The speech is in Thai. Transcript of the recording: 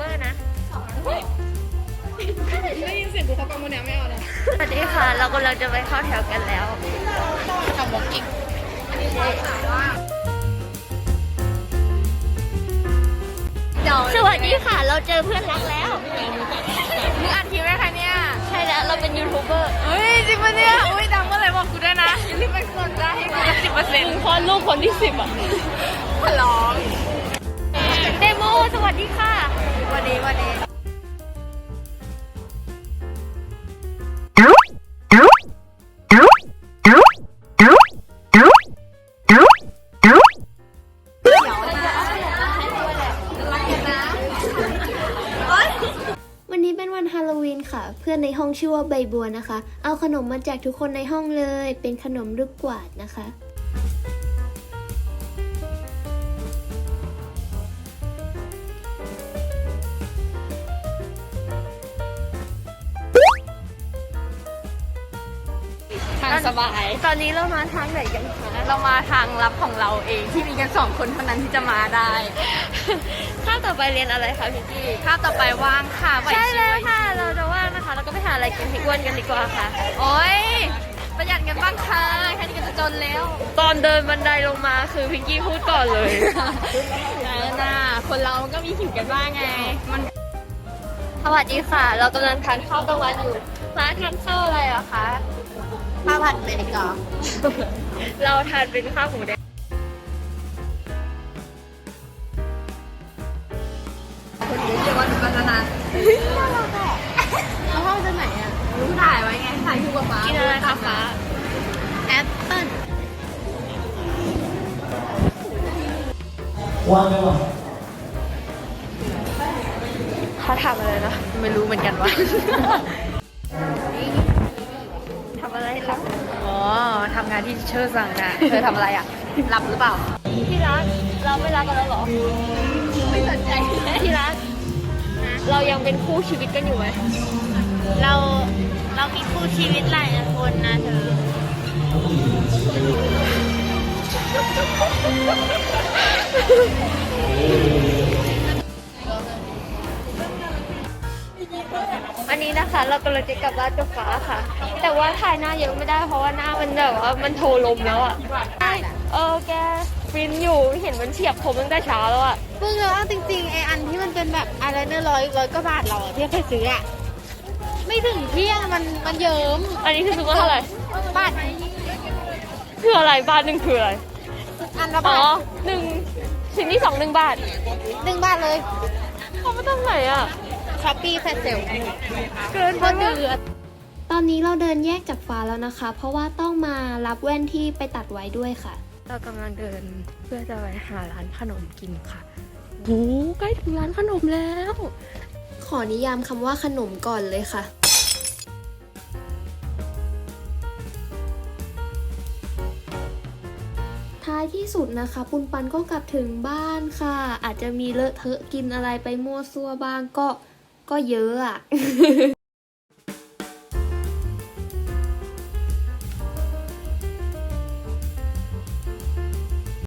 ร์นะได้ยินเสียงกูเขากำมือเนี่ยไม่เอานะสวัสดีค่ะ เรากำลังจะไปเข้าแถวกันแล้วทำบล็อกกิ้งสวัสดีค่ะ เราเจอเพื่อนรักแล้วมึงอัดคลิปไหมคะเนี่ยใช่แล้วเราเป็นยูทูบเบอร์เฮ้ยจริงปะเนี่ยอุ้ยดังเมื่อไหร่บอกกูด้วยนะรีบไปกดได้ให้กู10% มึงคลอดลูกคนที่10อ่ะขอร้องเดโมสวัสดีค่ะวันนี้วันนี้เป็นวันฮาโลวีนค่ะ เพื่อนในห้องชื่อว่าใบบัวนะคะ เอาขนมมาแจกทุกคนในห้องเลย เป็นขนมลูกกวาดนะคะทางสบายตอนนี้เรามาทางไหนกันคะเรามาทางลับของเราเองที่มีกัน2 คนเท่านั้นที่จะมาได้ข้าวต่อไปเรียนอะไรคะพี่กี้ข้าวต่อไปว่างค่ะไหวใช่ชิแล้ว วค่ะ เราจะว่างนะคะ เราก็ไปหาอะไรกินให้อ้วนกันดีกว่าค่ะโอ๊ยประหยัดกันบ้างค่ะแค่นี้ก็จะจนแล้วตอนเดินบันไดลงมาคือพิงกี้พูดก่อนเลยน่าคนเราก็มีหิวกันบ้างไงมันสวัสดีค่ะ เรากำลังทานข้าวกลางวันอยู่ร้านทานข้าวอะไรอะคะข้าวผัดเบกอนเราทานเป็นข้าวหมูแดงคนเยอะวันกันนานแล้วห้องจะไหนอ่ะถ่ายไว้ไงถ่ายคู่กับฟ้ากินอะไรคะฟ้าแอปเปิ้ลว่างไหมวะเขาทำอะไรนะไม่รู้เหมือนกันว่าทำอะไรคะอ๋อทำงานที่เชิดสั่งนะเธอทำอะไรอ่ะหลับหรือเปล่าที่รัก เราไม่รักกันแล้วเหรอไม่สนใจที่รัก เรายังเป็นคู่ชีวิตกันอยู่ไหมเรามีคู่ชีวิตหลายคนนะเธออันนี้นะคะเรากำลังจะกลับบ้านกับฟ้าค่ะ แต่ว่าถ่ายหน้าเยอะไม่ได้เพราะว่าหน้ามันแบบว่ามันโทรลมแล้วอะแกฟินอยู่เห็นมันเฉียบผมตั้งแต่เช้าแล้วอะเพิ่งรู้ว่าจริงๆไออันที่มันเป็นแบบอะไรเนี่ยร้อยกว่าบาทเราอะที่เคยซื้ออะไม่ถึงเที่ยงมันเยิ้มอันนี้คือซื้อมาเท่าไหร่บาทคืออะไรบ้านหนึ่งคืออะไรอันละอ๋บาอทชิ้นที่2 1 บาท 1 บาทเลยเขาไม่ต้องไหนอะช้อปปี้แฟลชเซลเกินไปเดือดตอนนี้เราเดินแยกจากฟ้าแล้วนะคะ เพราะว่าต้องมารับแว่นที่ไปตัดไว้ด้วยค่ะเรากำลังเดินเพื่อจะไปหาร้านขนมกินค่ะโอ้ใกล้ถึงร้านขนมแล้วขอนิยามคำว่าขนมก่อนเลยค่ะ ท้ายที่สุดนะคะปุนปันก็กลับถึงบ้านค่ะ อาจจะมีเลอะเทอะกินอะไรไปมั่วซั่วบ้างก็เยอะอะ